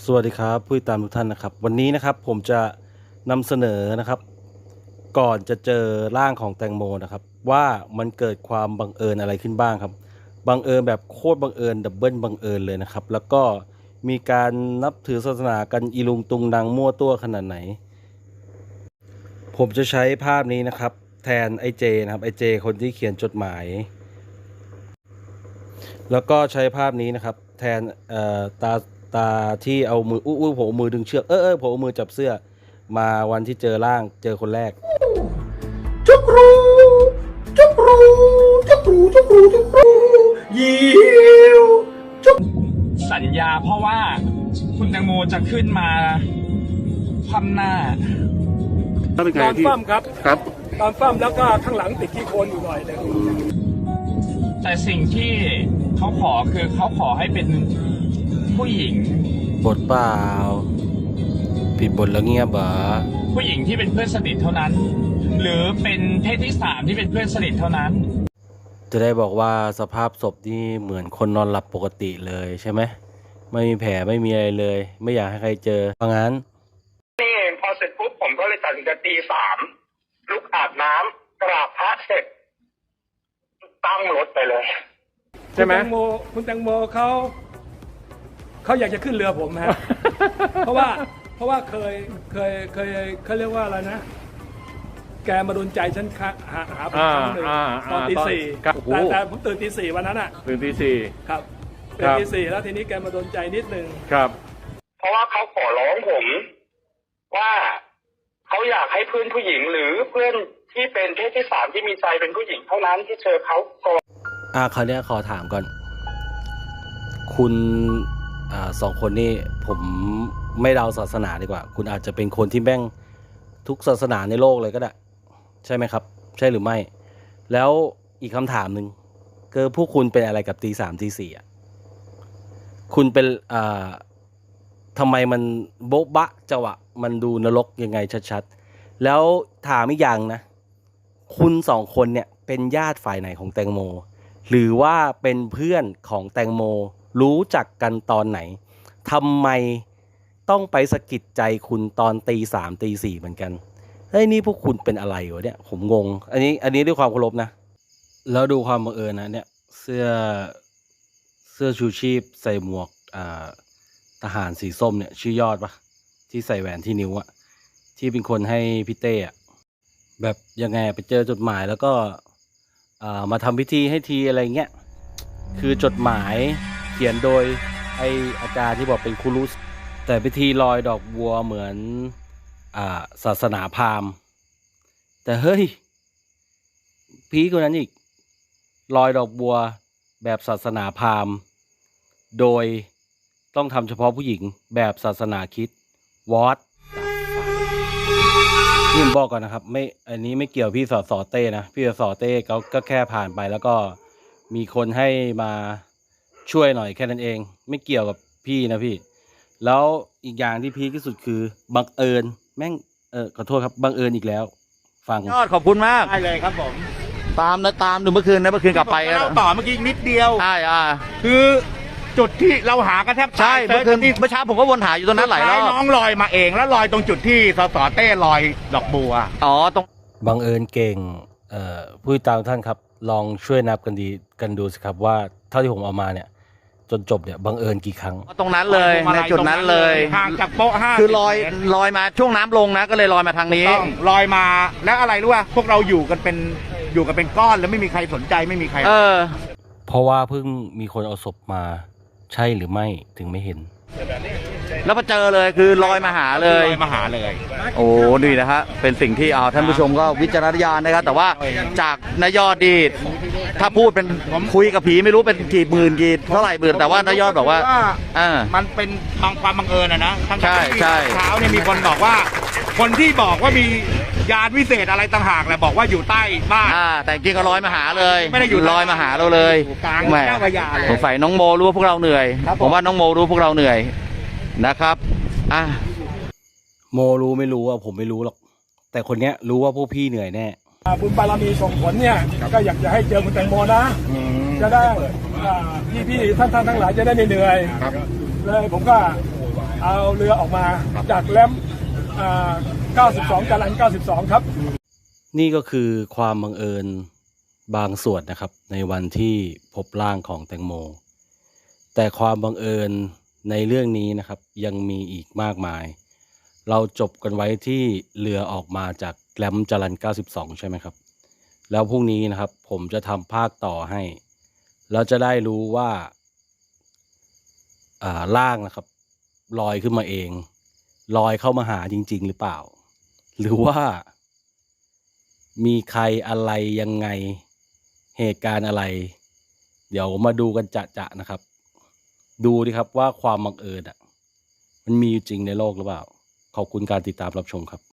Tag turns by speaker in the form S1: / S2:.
S1: สวัสดีครับผู้ติดตามทุกท่านนะครับวันนี้นะครับผมจะนำเสนอนะครับก่อนจะเจอร่างของแตงโมนะครับว่ามันเกิดความบังเอิญอะไรขึ้นบ้างครับบังเอิญแบบโคตรบังเอิญดับเบิลบังเอิญเลยนะครับแล้วก็มีการนับถือศาสนากันอีลุงตุงนางมั่วตัวขนาดไหนผมจะใช้ภาพนี้นะครับแทนไอเจนะครับไอเจคนที่เขียนจดหมายแล้วก็ใช้ภาพนี้นะครับแทนตาที่เอามือผมเอามือดึงเชือกผมเอามือจับเสื้อมาวันที่เจอร่างเจอคนแรก
S2: จุกรูจุกรูจุกรูจุกรูจุกรูยิวจุก
S3: สัญญาเพราะว่าคุณแตงโมจะขึ้นมาคว่ำหน้า
S2: ตอนฟั่มครับตอนฟั่มแล้วก็ข้างหลังติดขี้โคลนอยู่หน่อยนึง
S3: แต่สิ่งที่เขาขอคือเขาขอให้เป็นผู้หญิง
S1: บทเปล่าผิดบทแล้วเงียบเหรอ
S3: ผู้หญิงที่เป็นเพื่อนสนิทเท่านั้นหรือเป็นเพศที่สามที่เป็นเพื่อนสนิทเท่านั้น
S1: จะได้บอกว่าสภาพศพนี่เหมือนคนนอนหลับปกติเลยใช่ไหมไม่มีแผลไม่มีอะไรเลยไม่อยากให้ใครเจอเพราะงั้น
S2: นี่เองพอเสร็จปุ๊บผมก็เลยตัดสินใจตี3ลุกอาบน้ำกราบพระเสร็จตั้งรถไปเลยใช่ไหมคุณแตงโมเขาอยากจะขึ้นเรือผมฮะ เพราะว่าเคยเขาเรียกว่าอะไรนะแกมาโดนใจฉันหาผมครั้งหนึ่งตอนตี 4แต่ผมตื่นตี 4วันนั้นอ่ะ
S4: ตื่นตี 4
S2: ครับตื่นตี 4แล้วทีนี้แกมาโดนใจนิดนึง
S4: ครับ
S2: เพราะว่าเขาขอร้องผมว่าเขาอยากให้เพื่อนผู้หญิงหรือเพื่อนที่เป็นเพศที่3ที่มีใจเป็นผู้หญิงเท่านั้นที่เจอเขาก่อน
S1: คราวนี้ขอถามก่อนคุณ2 คนนี่ผมไม่เดาศาสนาดีกว่าคุณอาจจะเป็นคนที่แบ่งทุกศาสนาในโลกเลยก็ได้ใช่ไหมครับใช่หรือไม่แล้วอีกคำถามหนึ่งคือพวกคุณเป็นอะไรกับตี 3ตี 4อ่ะคุณเป็นทำไมมันโบ๊ะบะจังหวะมันดูนรกยังไงชัดๆแล้วถามอีกอย่างนะคุณ2 คนเนี่ยเป็นญาติฝ่ายไหนของแตงโมหรือว่าเป็นเพื่อนของแตงโมรู้จักกันตอนไหนทำไมต้องไปสะกิดใจคุณตอนตี 3ตี 4เหมือนกันเฮ้ยนี่พวกคุณเป็นอะไรวะเนี่ยผมงงอันนี้ด้วยความเคารพนะแล้วดูความบังเอิญนะเนี่ยเสื้อชูชีพใส่หมวกทหารสีส้มเนี่ยชื่อยอดปะที่ใส่แหวนที่นิ้วอะที่เป็นคนให้พี่เต้อะแบบยังไงไปเจอจดหมายแล้วก็มาทำพิธีให้ทีอะไรเงี้ยคือจดหมายเขียนโดยไออาจารย์ที่บอกเป็นครูรุสแต่พิธีลอยดอกบัวเหมือนศาสนาพราหมณ์แต่เฮ้ยพีกว่านั้นอีกลอยดอกบัวแบบศาสนาพราหมณ์โดยต้องทำเฉพาะผู้หญิงแบบศาสนาคริสต์วอตพี่ผมบอกก่อนนะครับไม่อันนี้ไม่เกี่ยวพี่สอเต้นะพี่สอเต้เขาก็แค่ผ่านไปแล้วก็มีคนให้มาช่วยหน่อยแค่นั้นเองไม่เกี่ยวกับพี่นะพี่แล้วอีกอย่างที่พีคที่สุดคือบังเอิญแม่งขอโทษครับบังเอิญอีกแล้วฟัง
S4: ยอดขอบคุณมาก
S2: ได้เลยครับผม
S4: ตามดูเมื่อคืนกลับไป
S2: แล้วต่อเมื่อกี้นิดเดียว
S4: ใช่
S2: คือจุดที่เราหากันแทบ
S4: ใช่เมื่อเช้าผมก็วนหาอยู่ตรงนั้นหลายรอบ
S2: น้องลอยมาเองแล้วลอยตรงจุดที่สสเต้ลอยดอกบัว
S4: ตรง
S1: บังเอิญเก่งผู้ติดตามท่านครับลองช่วยนับกันดูสิครับว่าเท่าที่ผมเอามาเนี่ยจนจบเนี่ยบังเอิญกี่ครั้ง
S4: ตรงนั้นเลยในจุดนั้นเลย
S2: ห่างจากโป๊ะ5
S4: คือลอยมาช่วงน้ำลงนะก็เลยลอยมาทางนี้
S2: ลอยมาแล้วอะไรรู้ป่ะพวกเราอยู่กันเป็นก้อนแล้วไม่มีใครสนใจไม่มีใคร
S1: เพราะว่าเพิ่งมีคนเอาศพมาใช่หรือไม่ถึงไม่เห็น
S4: แล้วพอเจอเลยคือลอยมาหาเลยโอ้ดีนะฮะเป็นสิ่งที่ท่านผู้ชมก็วิจารณญาณนะครับแต่ว่าจากนายยอดดีถ้าพูดเป็นคุยกับผีไม่รู้เป็นกี่หมื่นกี่เท่าไหร่หมื่นแต่ว่านายยอดบอกว่า
S2: มันเป็นความบังเอิญนะ
S4: ใช่
S2: เช้าเนี่ยมีคนบอกว่าคนที่บอกว่ามียานวิเศษอะไรต่างหากแหละบอกว่าอยู่ใต้บ้าน
S4: แต่จริงก็ลอยมาหาเลย
S2: ไม่ได้อยู่
S4: ลอยมาหาเราเลย
S2: แหม
S4: สงสัยน้องโมรู้ว่าพวกเราเหนื่อยผมว่าน้องโมรู้พวกเราเหนื่อยนะครับ
S1: โมรู้ไม่รู้ผมไม่รู้หรอกแต่คนเนี้ยรู้ว่าพวกพี่เหนื่อยแน่
S2: บุญบารมีส่งผลเนี่ยก็อยากจะให้เจอคุณแตงโมนะจะได้พี่ท่านทั้งหลายจะได้ไม่เหนื่อยเลยผมก็เอาเรือออกมาจากแรม92 จรัญ92 ครับ
S1: นี่ก็คือความบังเอิญบางส่วนนะครับในวันที่พบร่างของแตงโม แต่ความบังเอิญในเรื่องนี้นะครับยังมีอีกมากมาย เราจบกันไว้ที่เรือออกมาจากแรมจรัญ92 ใช่ไหมครับ แล้วพรุ่งนี้นะครับผมจะทำภาคต่อให้เราจะได้รู้ว่าร่างนะครับลอยขึ้นมาเองลอยเข้ามาหาจริงๆหรือเปล่า หรือว่ามีใครอะไรยังไงเหตุการณ์อะไร เดี๋ยวมาดูกันจะนะครับ ดูดิครับว่าความบังเอิญมันมีอยู่จริงในโลกหรือเปล่า ขอบคุณการติดตามรับชมครับ